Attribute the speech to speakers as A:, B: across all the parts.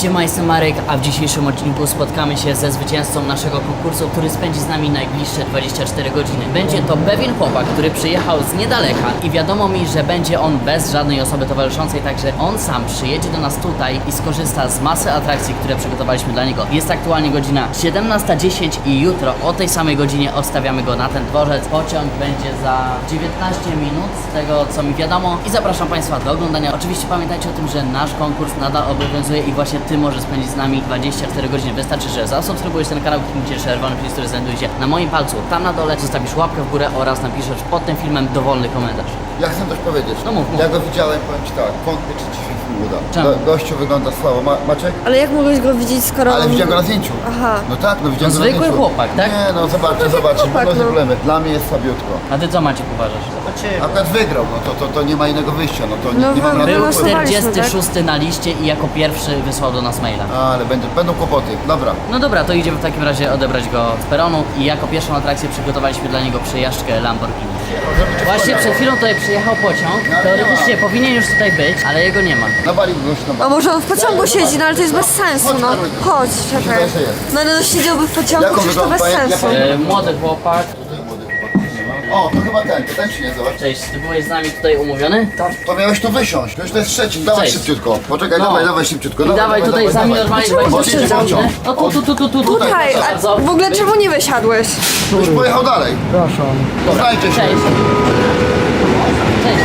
A: Siema, jestem Marek, a w dzisiejszym odcinku spotkamy się ze zwycięzcą naszego konkursu, który spędzi z nami najbliższe 24 godziny. Będzie to pewien chłopak, który przyjechał z niedaleka i wiadomo mi, że będzie on bez żadnej osoby towarzyszącej, także on sam przyjedzie do nas tutaj i skorzysta z masy atrakcji, które przygotowaliśmy dla niego. Jest aktualnie godzina 17:10 i jutro o tej samej godzinie odstawiamy go na ten dworzec. Pociąg będzie za 19 minut, z tego co mi wiadomo, i zapraszam Państwa do oglądania. Oczywiście pamiętajcie o tym, że nasz konkurs nadal obowiązuje i właśnie Ty możesz spędzić z nami 24 godziny. Wystarczy, że zasubskrybujesz ten kanał, klikniesz czerwony przycisk, który znajduje się na moim palcu tam na dole, zostawisz łapkę w górę oraz napiszesz pod tym filmem dowolny komentarz.
B: Ja chcę coś powiedzieć.
A: No mów.
B: Ja go widziałem, powiem Ci tak, wątpię, czy Ci się film uda.
A: Czemu?
B: Gościu wygląda słabo. Maciek?
C: Ale jak mogłeś go widzieć, skoro...
B: Ale widziałem go na zdjęciu.
C: Aha.
B: No tak, no widziałem
A: No
B: go na
A: zwykły
B: zdjęciu.
A: chłopak, tak?
B: Nie, no zobaczcie,
C: chłopak,
B: no
C: no.
B: problemy. Dla mnie jest słabiutko.
A: A Ty co, Maciek, uważasz?
B: Akurat wygrał, no to nie ma innego wyjścia, no to
C: No
B: nie mam
C: wy-
B: na
A: Był
C: Wylosowaliśmy, tak?
A: 46 na liście i jako pierwszy wysłał do nas maila.
B: Ale będą kłopoty. Dobra.
A: No dobra, to idziemy w takim razie odebrać go z peronu i jako pierwszą atrakcję przygotowaliśmy dla niego przejażdżkę Lamborghini. Właśnie przed chwilą tutaj przyjechał pociąg, teoretycznie powinien już tutaj być, ale jego nie ma.
B: Nawalił gość na
C: A może on w pociągu siedzi, no ale to jest bez sensu, no. Chodź, czekaj.
B: Jeszcze jest.
C: No ale no siedziałby w pociągu,
B: Jaką
C: przecież to bez
B: wygląda-
C: sensu.
A: Młody chłopak.
B: O, to chyba ten się nie zobacz.
A: Cześć, Ty byłeś z nami tutaj umówiony?
B: To miałeś tu wysiąść. To jest trzeci, dawaj
A: Cześć.
B: szybciutko. Poczekaj,
A: No.
B: dawaj szybciutko.
A: I dawaj tutaj z nami normalnie
C: Dlaczego
A: 24
C: tu
A: godziny. No tu.
C: Tutaj,
A: bardzo.
C: a w ogóle czemu nie wysiadłeś?
B: Już pojechał dalej.
D: Proszę.
B: Poznajcie się.
A: Cześć. Cześć.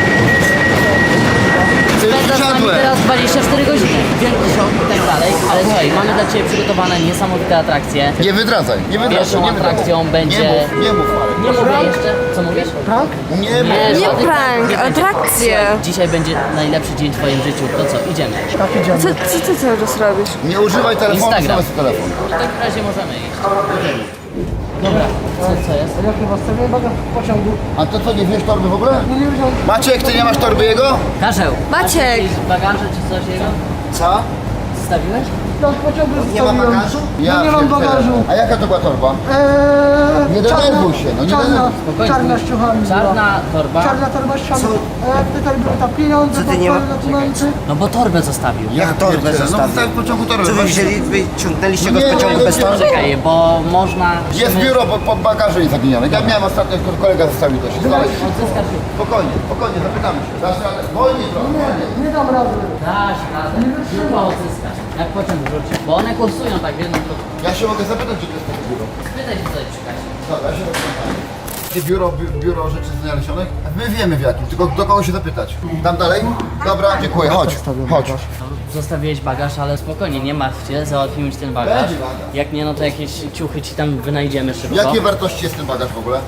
B: Ty już
A: Spędzasz z nami
B: wysiadłem.
A: teraz 24 godziny. Wielki szok i tak dalej. Ale słuchaj, mamy dla Ciebie przygotowane niesamowite atrakcje.
B: Nie wydradzaj, nie wydradzaj.
A: Pierwszą
B: nie wydradzaj.
A: atrakcją będzie...
B: Nie mów, Marek.
A: Nie mówię jeszcze. Co mówisz?
D: Prank?
B: Nie mów.
C: Nie
A: żadnych
C: prank,
A: nie będzie.
C: atrakcje.
A: Słuchaj, dzisiaj będzie najlepszy dzień w Twoim życiu. To co, idziemy.
D: Tak idziemy.
C: Co ty cały czas robisz?
B: Nie używaj telefonu,
A: Instagram.
B: zamiast telefon.
A: W takim razie możemy iść. Dobra, co jest?
D: Jak nie was sobie baga w pociągu?
B: A to co, nie wziąłeś torby w ogóle?
D: No nie wziąłem.
B: Maciek, ty nie masz torby jego?
A: Karzeł,
C: Maciek.
A: masz jakieś bagaże czy coś jego?
B: Co?
A: Zostawiłeś?
D: Ja w pociągu
B: Nie ma
D: zostawiłem.
B: bagażu?
D: No nie mam
B: pierdzielę.
D: bagażu.
B: A jaka to była torba? Nie
D: czarna-
B: denerwuj się, no nie
D: czarna,
B: denerwuj.
A: Spokojnie.
D: czarna z ciuchami była.
A: Czarna torba.
D: Czarna torba z ciuchami. Tutaj były tam pieniądze, podpalne dokumenty.
A: No bo torbę zostawił.
B: Jak torbę
E: zostawił?
B: No zostawił w pociągu torbę.
E: Co wy
B: Właśnie.
E: wzięli, wyciągnęliście go
B: Nie,
E: z pociągu
B: nie,
E: bez
B: nie,
E: torby?
A: Czekaj, bo można...
B: Jest biuro pod bagażem jest zaginione. Ja miałem ostatnio, kolega zostawił to się.
A: Odzyskasz już.
B: Spokojnie, zapytamy się. Dasz radę? Wolniej trochę, wolniej.
D: Nie dam rady.
A: Dasz radę. Tylko odzyskasz. Jak pociąg wróci. Bo one kursują tak w jednym kroku.
B: Ja się mogę zapytać, gdzie to jest takie biuro.
A: Spytaj się tutaj przy kasie.
B: Dobra, ja się zapytam. Biuro rzeczy znalezionych? My wiemy w jakim, tylko do kogo się zapytać. Tam dalej? Dobra, dziękuję, chodź.
A: Zostawiłeś bagaż, ale spokojnie, nie martw się, załatwimy ci ten bagaż.
B: Będzie bagaż.
A: Jak nie, no to jakieś ciuchy ci tam wynajdziemy szybko.
B: Jakie wartości jest ten bagaż w ogóle?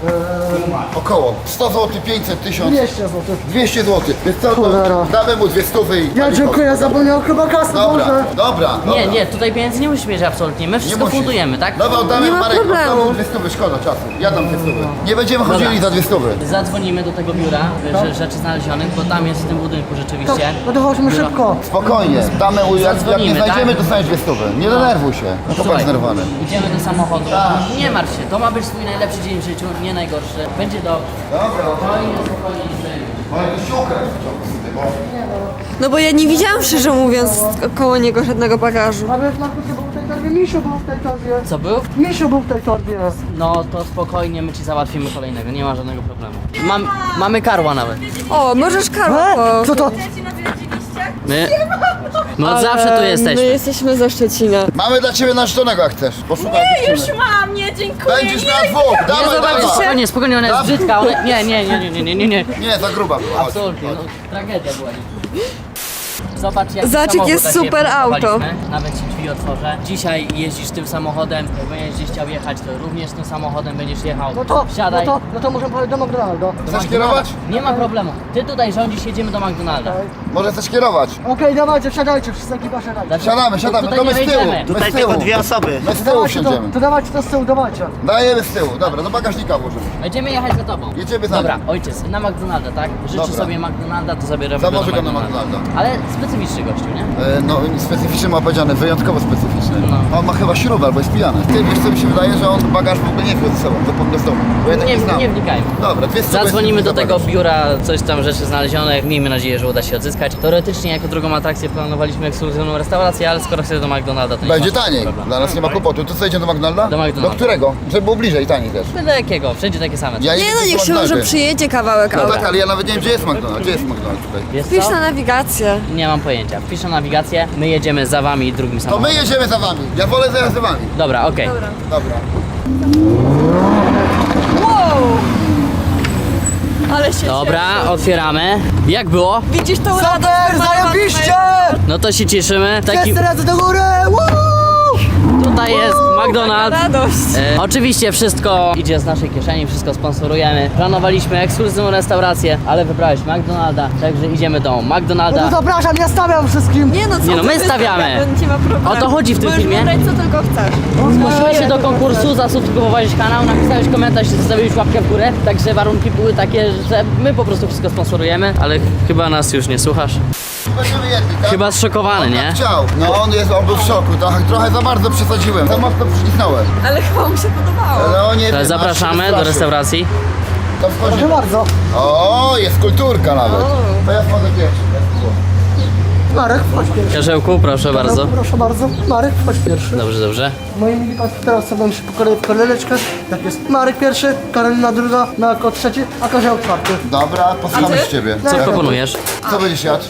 B: Około 100 zł, 500, 1000,
D: 200 zł.
B: 200 zł. Więc co, to
D: Cholera.
B: damy mu 200 i...
D: Ja dziękuję, zapomniałem chyba kasy,
B: Dobra,
D: Boże.
B: dobra.
A: Nie, tutaj pieniędzy nie musisz mieć absolutnie, my wszystko
B: musisz.
A: fundujemy, tak?
B: Dobra, oddamy
C: Nie ma
B: Marek,
C: problemu.
B: oddamy mu 200, szkoda czasu. Ja dam 200. Nie będziemy chodzili za 200.
A: Zadzwonimy do tego biura rzeczy znalezionych, bo tam jest w tym budynku rzeczywiście.
D: No to chodźmy
A: Biuro.
D: szybko.
B: Spokojnie, damy mu, jak nie
A: Zadzwonimy,
B: znajdziemy,
A: tak?
B: dostaniesz 200. Nie denerwuj się. No chłopak
A: Słuchaj,
B: znerwany.
A: idziemy do samochodu. Nie martw się, to ma być twój najlepszy dzień w życiu, nie najgorszy. Będzie dobrze.
B: Dobra,
A: Spokojnie.
B: ale to się ukraść bo...
C: No bo ja nie widziałam, szczerze mówiąc, koło niego żadnego bagażu.
D: Ale Marku, był w tej torbie, Misiu był w tej torbie.
A: Co był?
D: Misiu był w tej torbie.
A: No to spokojnie, my ci załatwimy kolejnego, nie ma żadnego problemu. Mamy karła nawet.
C: O, możesz karło.
D: Co to?
A: My od zawsze tu
C: My
A: jesteśmy.
C: jesteśmy ze Szczecina.
B: Mamy dla ciebie narzeczonego jak chcesz. Poszukaj
F: Nie, już
B: dziewczyny.
F: mam, nie, dziękuję.
B: Będziesz na dwóch,
A: Nie
B: dawaj,
A: zobaczysz,
B: dawaj.
A: spokojnie, ona jest
B: Dawaj.
A: brzydka, ona... Nie.
B: Nie, za gruba była. Chodź.
A: Absolutnie, no, tragedia była. Zobacz, jak
C: Zobacz, jakie jest super auto.
A: Nawet ci drzwi otworzę. Dzisiaj jeździsz tym samochodem, jak będziesz gdzieś chciał jechać, to również tym samochodem będziesz jechał. Wsiadaj.
D: No to możemy pojechać do McDonalda.
A: Do
B: Chcesz
A: McDonalda.
B: kierować?
A: Nie ma problemu. Ty tutaj rządzisz, jedziemy do McDonalda.
B: Może chcesz kierować?
D: Okej, dawajcie, wsiadajcie, wszyscy ekipa siadajcie.
A: Dlaczego?
B: Siadamy,
A: Tutaj
B: to my
A: nie
B: z tyłu.
A: wejdziemy.
B: My
E: Tutaj
B: z tyłu.
E: tylko dwie osoby.
B: My z tyłu
D: Dawajcie to,
B: wsiądziemy.
D: to dawajcie to z tyłu, dawajcie.
B: Dajemy z tyłu, dobra, do bagażnika włożymy.
A: Będziemy jechać za tobą.
B: Jedziemy za
A: Dobra,
B: nim.
A: ojciec, na McDonalda, tak? Życzy
B: Dobra.
A: sobie McDonalda, to zabieramy
B: Zawożę
A: go
B: go na
A: McDonalda.
B: McDonalda.
A: Ale zbyt specyficzny gościu, nie?
B: No specyficzny ma powiedziane, wyjątkowo specyficzny.
A: No.
B: On ma chyba śrubę albo jest pijany. Ty wiesz co mi się wydaje, że on bagaż w ogóle nie wziął ze sobą, zapomniał z domu. Bo ja tak nie znam.
A: Nie wnikajmy.
B: Dobra, 200
A: Zadzwonimy do tego
B: bagaż.
A: biura, coś tam rzeczy znalezionych, miejmy nadzieję, że uda się odzyskać. Teoretycznie jako drugą atrakcję planowaliśmy ekskluzywną restaurację, ale skoro chcesz do McDonalda, to nie
B: Będzie
A: ma
B: taniej,
A: problemu.
B: dla nas nie ma kłopotu. To co, idziemy do McDonalda?
A: Do McDonalda.
B: Do którego? Żeby było bliżej, taniej też.
A: Byle jakiego, wszędzie takie same.
B: Ja
C: Nie
B: idę
C: no,
B: do
C: niech się może
B: McDonaldy.
C: przyjedzie kawałek
B: No
C: auta.
B: tak, ale ja nawet nie wiem, gdzie jest McDonald's. Gdzie jest McDonald's tutaj?
A: Wiesz
C: Wpisz
A: co?
C: na nawigację.
A: Nie mam pojęcia. Wpisz na nawigację, my jedziemy za wami drugim
B: To
A: samochodem.
B: my jedziemy za wami. Ja wolę zajazd za wami.
A: Dobra, okej.
B: Dobra.
C: Wow! Ale się
A: Dobra, otwieramy. Jak było?
C: Widzisz tą
D: Super,
C: radość?
D: zajebiście!
A: No to się cieszymy. Taki
D: Wszyscy razem do góry! Woo!
A: tutaj jest McDonald's.
C: Radość.
A: Oczywiście wszystko idzie z naszej kieszeni, wszystko sponsorujemy. Planowaliśmy ekskluzywną restaurację, ale wybrałeś McDonalda, także idziemy do
D: No
A: McDonalda.
D: to zapraszam, ja stawiam wszystkim!
C: Nie no, co
A: Nie no,
C: ty,
A: my stawiamy.
C: Nie ma problemu.
A: O to chodzi w tym
C: Możesz
A: filmie.
C: wybrać co tylko chcesz.
A: Zgłosiłeś się do konkursu, zasubskrybowałeś kanał, napisałeś komentarz, zostawiłeś łapkę w górę, także warunki były takie, że my po prostu wszystko sponsorujemy, ale chyba nas już nie słuchasz.
B: Będziemy jedli, tak?
A: Chyba zszokowany, nie?
B: Chciał. No on był w szoku. Trochę za bardzo przesadziłem. Za mocno przycisnąłem.
C: Ale chyba mu się podobało.
B: No nie wiem,
A: Zapraszamy
B: aż się
A: do
B: wystraszył.
A: restauracji.
B: To wchodzi.
D: Proszę bardzo.
B: O, jest kulturka nawet. To ja wchodzę pierwszy.
D: Marek, wchodź pierwszy.
A: Karzełku, proszę bardzo.
D: Proszę bardzo. Marek, wchodź pierwszy.
A: Dobrze, dobrze.
D: Moi mili państwo, teraz sobie się po kolei w kolejeczkę. Tak jest. Marek pierwszy, Karolina druga, Marko trzeci, a Karzeł czwarty.
B: Dobra, posłuchamy z ciebie.
A: Co
B: Jak-
A: proponujesz?
B: Co będziesz jadł?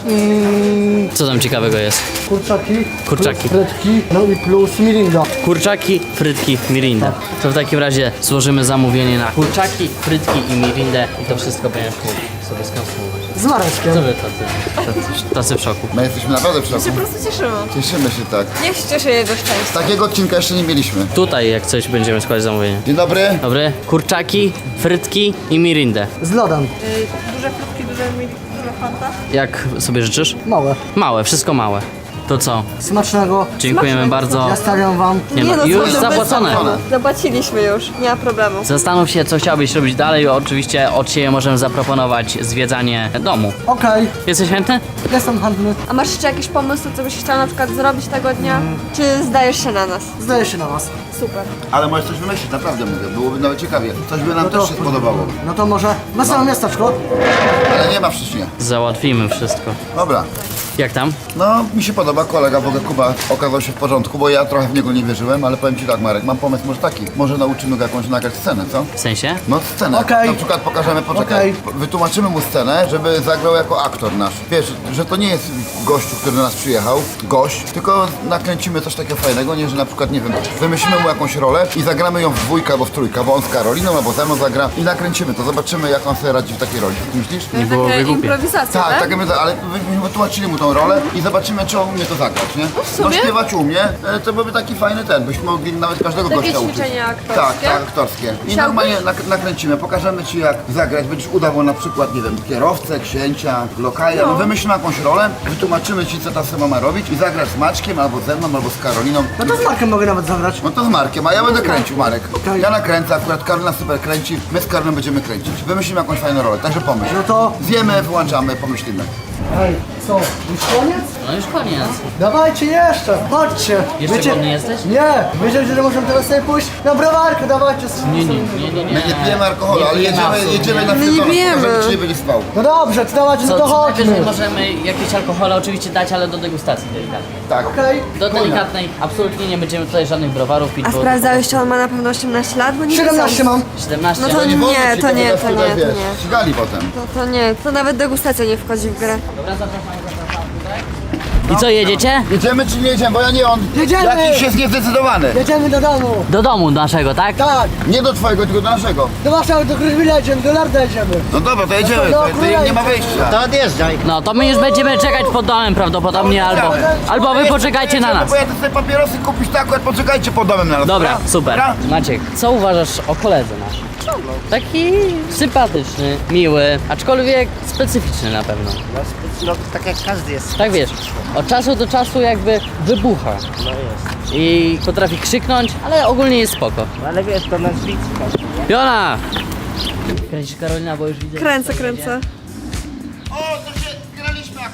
A: Co tam ciekawego jest?
D: Kurczaki,
A: Kurczaki.
D: frytki, no i plus mirinda.
A: Kurczaki, frytki, mirinda. To w takim razie złożymy zamówienie na kurczaki, frytki i mirindę i to wszystko będziesz mógł sobie skonsumować.
D: Z Mareczkiem.
A: Co wy tacy w szoku?
B: My jesteśmy naprawdę w szoku.
C: Po prostu cieszymy.
B: Cieszymy się tak.
C: Niech się cieszy jego szczęście.
B: Takiego odcinka jeszcze nie mieliśmy.
A: Tutaj jak coś będziemy składać zamówienie.
B: Dzień dobry.
A: Dobry? Kurczaki, frytki i mirindę.
D: Z lodem.
C: Duże flutki, duża fanta.
A: Jak sobie życzysz?
D: Małe.
A: Małe, wszystko małe. To co?
D: Smacznego.
A: Dziękujemy bardzo.
D: Ja stawiam wam.
A: Nie no, już
C: co,
A: zapłacone.
C: Zapłaciliśmy już, nie ma problemu.
A: Zastanów się, co chciałbyś robić dalej. Oczywiście od siebie możemy zaproponować zwiedzanie domu.
D: Okej,
A: Jesteś chętny?
D: jestem chętny.
C: A masz jeszcze jakieś pomysły, co byś chciał na przykład zrobić tego dnia? Czy zdajesz się na nas?
D: Zdaję się na was.
C: Super.
B: Ale możesz coś wymyślić, naprawdę mówię. Byłoby nawet ciekawie. Coś by nam
D: No to-
B: też się spodobało.
D: No to może wesołe miasteczko.
B: Ale nie ma w Szczecinie.
A: Załatwimy wszystko.
B: Dobra.
A: Jak tam?
B: No, mi się podoba, kolega w ogóle Kuba okazał się w porządku, bo ja trochę w niego nie wierzyłem, ale powiem ci tak, Marek, mam pomysł może taki. Może nauczymy go jakąś nagrać scenę, co?
A: W sensie?
B: No scenę.
D: Okej.
B: Na przykład pokażemy, poczekaj, wytłumaczymy mu scenę, żeby zagrał jako aktor nasz. Wiesz, że to nie jest gościu, który do nas przyjechał, gość, tylko nakręcimy coś takiego fajnego, nie, że na przykład, nie wiem, wymyślimy mu jakąś rolę i zagramy ją w dwójkę albo w trójkę, bo on z Karoliną albo ze mną zagra i nakręcimy to, zobaczymy jak on sobie radzi w takiej roli. Myślisz?
A: Nie byłoby głupie.
C: improwizacja,
B: Tak, tak, ale wytłumaczyli mu tą rolę i zobaczymy, czy on umie to zagrać, nie?
C: sumie?
B: No śpiewać umie, to byłby taki fajny ten, byśmy mogli nawet każdego
C: Takie
B: gościa uczyć.
C: ćwiczenia aktorskie?
B: Tak, tak, aktorskie. I normalnie nakręcimy, pokażemy ci jak zagrać, będziesz udawał na przykład, nie wiem, kierowcę, księcia, lokaja, no wymyślimy jakąś rolę, wytłumaczymy ci, co ta osoba ma robić i zagrasz z Maćkiem, albo ze mną, albo z Karoliną.
D: No to z Markiem mogę nawet zagrać.
B: No to z Markiem, a ja będę kręcił, Marek.
D: Okej.
B: Ja nakręcę, akurat Karolina super kręci, my z Karoliną będziemy kręcić. Wymyślimy jakąś fajną rolę, także pomyśl.
D: No to...
B: Zjemy, wyłączamy, pomyślimy.
D: Ej, co? Już koniec?
A: No już koniec.
D: Dawajcie jeszcze, chodźcie.
A: Jeszcze głodny jesteś?
D: Nie, wiecie, że możemy teraz sobie pójść na browarkę, dawajcie.
A: Nie.
B: My nie pijemy alkoholu, ale
A: pijemy absolutnie.
B: jedziemy na
C: nie
B: Frytono,
C: pijemy.
B: żeby ci nie będzie spał.
D: No dobrze, to dawajcie, no to
A: Co najwyżej
D: chodźmy.
A: możemy jakieś alkohole oczywiście dać, ale do degustacji delikatnej.
B: Tak.
D: Okej.
A: Do delikatnej absolutnie nie będziemy tutaj żadnych browarów pić,
C: A
A: bo
C: sprawdzałeś, czy on ma na pewno 18 lat? Bo nie
D: 17 mam.
A: 17.
C: No to
B: Nie wolno
C: nie,
B: ci
C: to
B: tego
C: nie,
B: dać,
C: to
B: tutaj,
C: nie, to
B: wiesz,
C: nie.
B: ścigali potem.
C: To nie, to nawet degustacja nie wchodzi w grę.
A: Dobra, zapraszamy tutaj. I co, jedziecie?
B: Jedziemy czy nie jedziemy, bo ja nie on.
D: Jedziemy!
B: Jakiś jest niezdecydowany.
D: Jedziemy do domu.
A: Do domu naszego, tak?
D: Tak,
B: Nie do twojego, tylko do naszego.
D: do waszego, do Kruszwila jedziemy, do Larda jedziemy.
B: No dobra, to jedziemy,
D: No to
B: to nie ma wyjścia.
D: To odjeżdżaj.
A: No to my już będziemy czekać pod domem prawdopodobnie, albo wy poczekajcie na nas.
B: Bo ja sobie papierosy kupić, tak akurat poczekajcie pod domem na nas.
A: Dobra, super.
B: Dobra?
A: Maciek, co uważasz o koledze naszym? Taki sympatyczny, miły, aczkolwiek specyficzny na pewno.
E: No tak jak każdy jest.
A: Tak wiesz, od czasu do czasu jakby wybucha
E: No jest.
A: i potrafi krzyknąć, ale ogólnie jest spoko.
E: No ale wiesz, to nazwisko.
A: Jona! Kręcisz Karolina, bo już widzę.
C: Kręcę.
B: O, to się graliśmy akurat.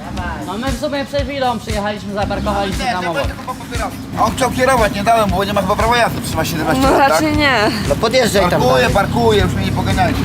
A: No my w sumie przed chwilą przyjechaliśmy, zaparkowaliśmy samochód.
B: On chciał kierować, nie dałem, bo nie ma chyba prawa jazdy, trzyma 17
C: No
B: lat, tak?
C: raczej nie.
E: No podjeżdżaj tam dalej.
B: Parkuje, już mnie nie poganiajcie.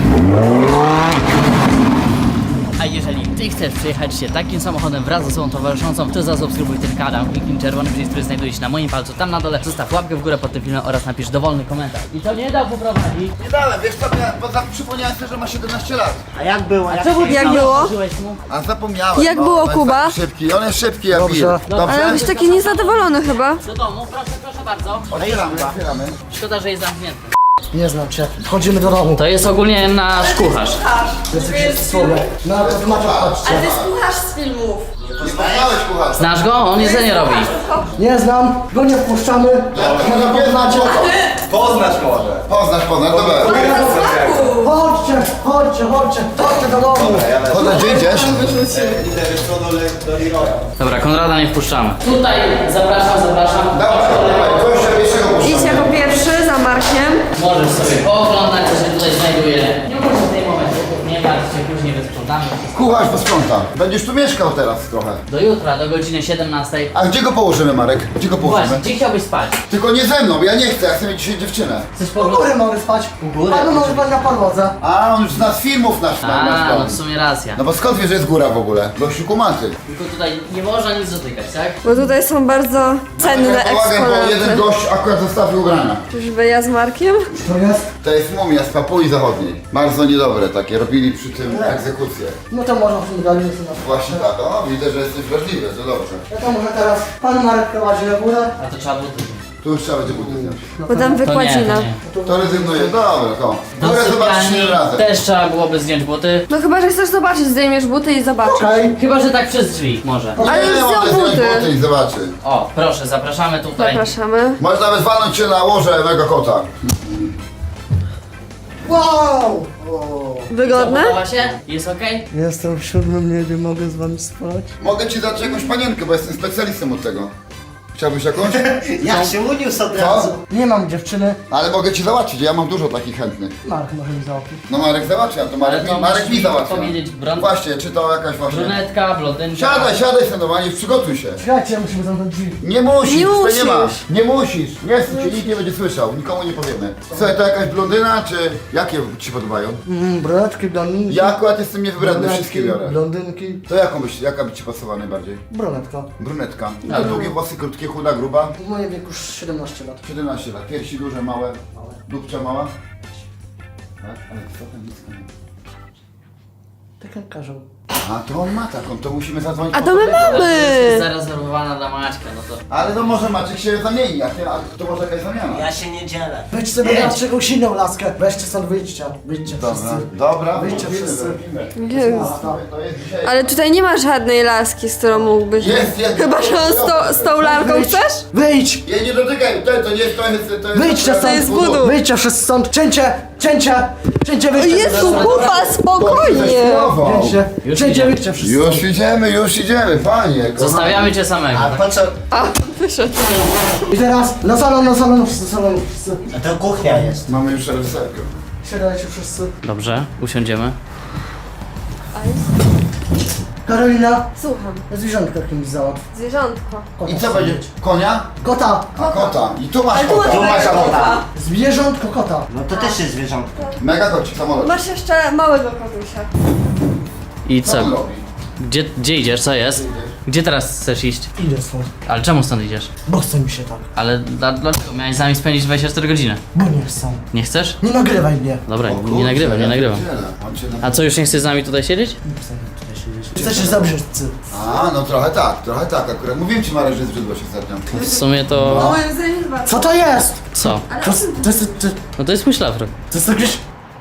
A: A jeżeli ty chcesz przejechać się takim samochodem wraz ze sobą towarzyszącą, to zasubskrybuj ten kanał, kliknij czerwony przycisk, który znajduje się na moim palcu tam na dole, zostaw łapkę w górę pod tym filmem oraz napisz dowolny komentarz. I to nie da poprowadzić.
B: Nie dałem, wiesz co, bo przypomniałem sobie, że ma 17 lat.
E: A jak było? Jak
A: Czemu
C: Jak
A: nie
C: było?
A: otworzyłeś mu?
B: A zapomniałem.
C: Jak było,
B: on jest
C: Kuba?
B: taki szybki, on jest szybki jak
D: Dobrze.
B: wir.
C: Ale
B: Dobrze?
C: byś taki niezadowolony chyba.
A: Do domu, proszę bardzo.
B: Otwieramy.
A: Szkoda, że jest zamknięty.
D: Nie znam cię. Wchodzimy do domu.
A: To jest ogólnie nasz kucharz.
D: Jesteś słowo. No to macie patrzcie.
C: słuchasz z filmów.
B: Nie poznałeś kucharza.
A: Znasz go? On nic nie robi.
D: Nie znam, go nie wpuszczamy.
B: Nie poznacie.
F: Poznasz może.
B: Poznasz, dobra.
D: Chodźcie do domu.
B: Chodź, gdzie idziesz?
F: Idę wiesz co do Leroya.
A: Dobra, Konrada nie wpuszczamy. Tutaj zapraszam.
B: Dawaj, gościa pierwszego
C: Idź
B: puszczamy.
C: jako pierwszy za Markiem.
A: Możesz sobie pooglądać, co się tutaj znajduje. Nie możesz zdejmować ruchów, nie martw się, później wysprzątamy.
B: Kucharz posprząta. Będziesz tu mieszkał teraz trochę.
A: Do jutra, do godziny 17.
B: A gdzie go położymy, Marek? Gdzie go położymy?
A: Właśnie, gdzie chciałbyś spać?
B: Tylko nie ze mną, ja nie chcę, ja chcę mieć dzisiaj dziewczynę.
A: Chcesz
D: U
A: poglądać?
D: góry mogę spać.
A: U góry?
D: Panu może spać na podłodze.
B: A, on już zna z filmów nasz
A: A, no w sumie racja.
B: No bo skąd wiesz, że jest góra w ogóle? Gościu kumaty.
A: Tylko tutaj nie można nic dotykać, tak?
C: Bo tutaj są bardzo cenne
B: Uwagę, bo jeden
C: eksponaty.
B: gość akurat zostawił ubrania.
C: Czyżby ja z Markiem?
D: To jest?
B: To jest mumia z Papui Zachodniej. Bardzo niedobre takie, robili przy tym egzekucję.
D: No to można w tym dalej sobie.
B: Właśnie tak, o widzę, że jesteś wrażliwy, to dobrze.
D: No to może teraz pan Marek prowadzi na górę.
A: A to trzeba buty.
B: Tu już trzeba będzie buty zdjąć.
C: Bo tam wykładzina.
B: To rezygnuję, dobra, to.
A: Do
B: Górę zobaczysz
A: sypialni
B: nie razem.
A: też trzeba byłoby zdjąć buty.
C: No chyba, że chcesz zobaczyć, zdejmiesz buty i zobaczysz.
D: Okej.
A: Chyba, że tak przez drzwi, może.
C: Ale
B: Nie,
C: zdjął
B: mogę zdjąć
C: buty.
B: buty i zobaczy.
A: O, proszę, zapraszamy tutaj.
C: Zapraszamy.
B: Można nawet walnąć cię na łoże mego kota.
D: Wow!
C: Wygodne?
A: Podoba się? Jest okej?
D: Jestem w 7. niebie, mogę z wami spać?
B: Mogę ci dać jakąś panienkę, bo jestem specjalistą od tego. Chciałbyś jakąś?
E: Jak się uniósł od
B: Co?
E: razu.
D: Nie mam dziewczyny.
B: Ale mogę ci załatwić, ja mam dużo takich chętnych.
D: Marek może mi załatwić.
B: No Marek załatwia, to Marek,
A: Ale to
B: Marek
A: musisz
B: mi załatwia.
A: powiedzieć,
B: Właśnie, czy to jakaś właśnie...
A: brunetka, blondynka.
B: Siadaj sobie normalnie, przygotuj się.
D: Czekajcie, musimy zamknąć drzwi.
B: Nie musisz,
C: Nie
B: to nie ma.
C: musisz.
B: Nie musisz. Nie chcę cię, nikt nie będzie słyszał, nikomu nie powiemy. Słuchaj, to jakaś blondyna, czy jakie ci podobają?
D: Brunetki, blondynki.
B: Ja akurat jestem niewybredny, wszystkie biorę.
D: Blondynki.
B: To jaka by ci pasowała najbardziej?
D: Brunetka.
B: Brunetka. A długie włosy, krótkie, chuda, gruba?
D: W moim wieku już 17 lat.
B: 17 lat. Piersi duże, małe. Dupcia mała? Tak? Ale co tam nisko nie?
D: Tak jak każą.
B: A to on ma taką, to musimy zadzwonić.
C: A
B: po
C: to my
B: kolegę.
A: Jest
C: mamy!
A: zarezerwowana dla Maćka, no to...
B: Ale no może Maciek się zamieni, a to może jakaś zamiana.
E: Ja się nie dzielę.
D: Weź sobie na czegoś inną laskę. Weźcie stąd, wyjdźcie. Wyjdźcie
B: Dobra,
D: wszyscy.
B: dobra.
D: Wyjdźcie wszyscy.
C: Jezu.
B: To jest dzisiaj...
C: Ale tutaj nie ma żadnej laski, z którą mógłbyś...
B: Jest.
C: Chyba, że on z tą lalką
D: Wyjdź.
C: chcesz?
D: Wyjdź!
B: Ja nie dotykaj, to nie jest, to jest...
D: Wyjdźcie
C: To jest
D: stąd!
C: budu.
D: Wyjdźcie wszyscy stąd! Cięcie! Cięcie! Cięcie, wyjdźcie!
C: Jezu, Kuba, spokojnie!
D: Cięcie!
A: Już
D: Cięcie,
A: idziemy.
D: wyjdźcie wszyscy!
B: Już idziemy, panie.
A: Zostawiamy cię samego.
E: A po co?
C: A, wyszedł.
D: I teraz na salon wszyscy.
E: A to kuchnia jest.
B: Mamy już reżyserkę.
D: Siadajcie wszyscy.
A: Dobrze, usiądziemy.
D: Karolina,
C: Słucham.
D: zwierzątko jakimś załatw.
C: Zwierzątko.
D: Kota.
B: I co będzie? Konia?
D: Kota!
B: A kota. I tu masz
C: Ale tu
B: kota.
C: masz małego kota.
D: Zwierzątko kota.
E: No to też jest zwierzątko.
B: Mega kocik, samolot.
C: Masz jeszcze małego kotusia.
A: I
B: Co on
A: co?
B: robi?
A: Gdzie idziesz? Co jest? Gdzie teraz chcesz iść?
D: Idę stąd.
A: Ale czemu stąd idziesz?
D: Bo chce mi się tak.
A: Ale dlaczego? Miałeś z nami spędzić 24 godziny.
D: Bo nie chcę.
A: Nie chcesz?
D: Nie nagrywaj mnie.
A: Dobra,
B: O
A: nie
B: kurczę,
A: nagrywam, nie
B: ja
A: nagrywam.
B: pierdzielę. On cię
A: A co, już nie chcesz z nami tutaj siedzieć?
D: Nie chcę tutaj siedzieć. Chcecie zabrzydcy.
B: A, no trochę tak akurat. Mówiłem ci Marek, że zbrzydło się ostatnio.
A: W sumie to...
C: Moim zdaniem jest bardzo.
D: Co to jest?
A: Co?
D: To
A: No to jest mój szlafrok.
D: jest jakieś...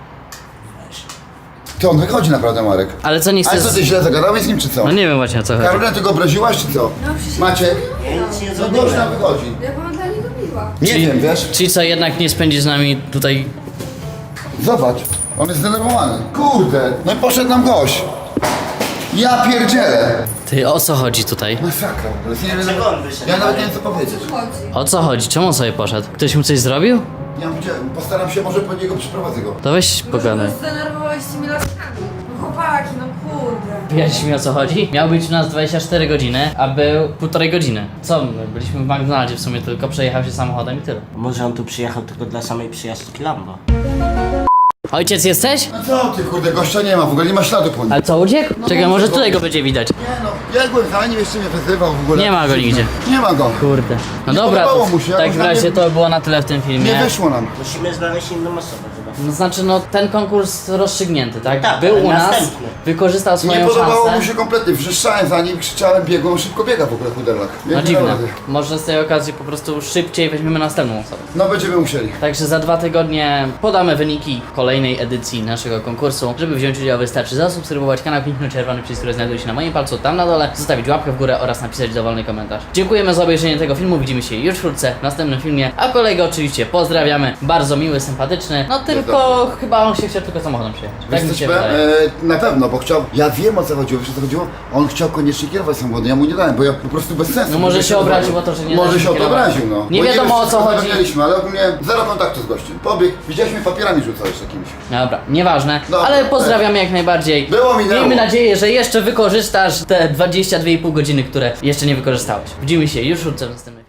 B: To on wychodzi naprawdę, Marek.
A: Ale co nie
B: Ale
A: chcesz...
B: co, ty źle zagadałeś z nim, czy co?
A: No nie wiem właśnie o co chodzi.
B: Karolina, ty go obraziłaś, czy co? Maciek?
E: Ja nic nie
B: No gość nam
E: zrobiłem.
B: wychodzi.
C: Ja byłam dla niego miła.
B: Nie wiem, wiesz?
A: Czyli co, jednak nie spędzisz z nami tutaj...
B: Zobacz, on jest zdenerwowany. Kurde, no i poszedł nam gość. Ja pierdzielę.
A: Ty, o co chodzi tutaj?
B: Masakra w ogóle. Nie wiem,
E: Dlaczego on wyszedł?
B: ja nawet nie wiem co powiedzieć.
A: O co chodzi? Czemu on sobie poszedł? Ktoś mu coś zrobił?
B: Ja widziałem, postaram się, może po niego przyprowadzę go.
A: To weź pogadaj.
C: Zdenerwowałeś tymi laskami. No chłopaki, no
A: Wiesz mi o co chodzi? Miał być u nas 24 godziny, a był 1,5 godziny. Co my? Byliśmy w McDonaldzie w sumie tylko, przejechał się samochodem i tyle.
E: Może on tu przyjechał tylko dla samej przyjaźni Lambo.
A: Ojciec jesteś?
B: No co ty, kurde, gościa nie ma, w ogóle nie ma śladu po nim.
A: Ale co, uciekł? Czekaj, może tutaj go będzie widać.
B: Nie no, biegłem za nim, jeszcze mnie wyzywał w ogóle.
A: Nie ma go nigdzie.
B: Nie ma go.
A: Kurde. No
B: Nie
A: dobra,
B: podobało
A: to
B: mu się,
A: w takim
B: jakoś
A: razie
B: nie-
A: to było na tyle w tym
B: Nie
A: filmie.
B: wyszło nam.
E: Musimy znaleźć inną osobę chyba.
A: No znaczy, no ten konkurs rozstrzygnięty, tak?
E: Tak,
A: Był
E: ale
A: u nas,
E: następny.
A: wykorzystał
B: Nie
A: swoją
B: podobało
A: szansę.
B: mu się kompletnie, wrzeszczałem za nim, krzyczałem, biegłem, szybko biega w ogóle chuderlak.
A: No dziwne. Może z tej okazji po prostu szybciej weźmiemy następną osobę.
B: No będziemy musieli.
A: Także za 2 tygodnie podamy wyniki kolejnej edycji naszego konkursu. Żeby wziąć udział, wystarczy zasubskrybować kanał, kliknąć czerwony przycisk, który znajduje się na moim palcu tam na dole, zostawić łapkę w górę oraz napisać dowolny komentarz. Dziękujemy za obejrzenie tego filmu, widzimy się już wkrótce w następnym filmie, a kolegę oczywiście pozdrawiamy, bardzo miły, sympatyczny, no tylko chyba on się chciał tylko samochodem przyjechać. Tak
B: Wiesz
A: mi
B: co
A: się
B: ci powiem?
A: wydaje.
B: Na pewno, bo chciał, ja wiem o co chodziło, wiesz o co chodziło? On chciał koniecznie kierować samochodem, ja mu nie dałem, bo ja po prostu bez sensu.
A: No może
B: Bo
A: się obraził o to, że nie da
B: Może
A: się
B: się o to
A: kierować.
B: obraził, no.
A: Nie
B: Bo
A: wiadomo,
B: wiesz,
A: o co chodzi.
B: Rozmawialiśmy, ale ogólnie zero kontaktu z gościem. Pobiegł, widzieliśmy papierami rzucał jeszcze kimś.
A: Dobra, nieważne,
B: Dobra,
A: ale pozdrawiamy jak najbardziej.
B: Było, minęło.
A: Miejmy nadzieję, że jeszcze wykorzystasz te 22,5 godziny, które jeszcze nie wykorzystałeś. Widzimy się już wkrótce w następnym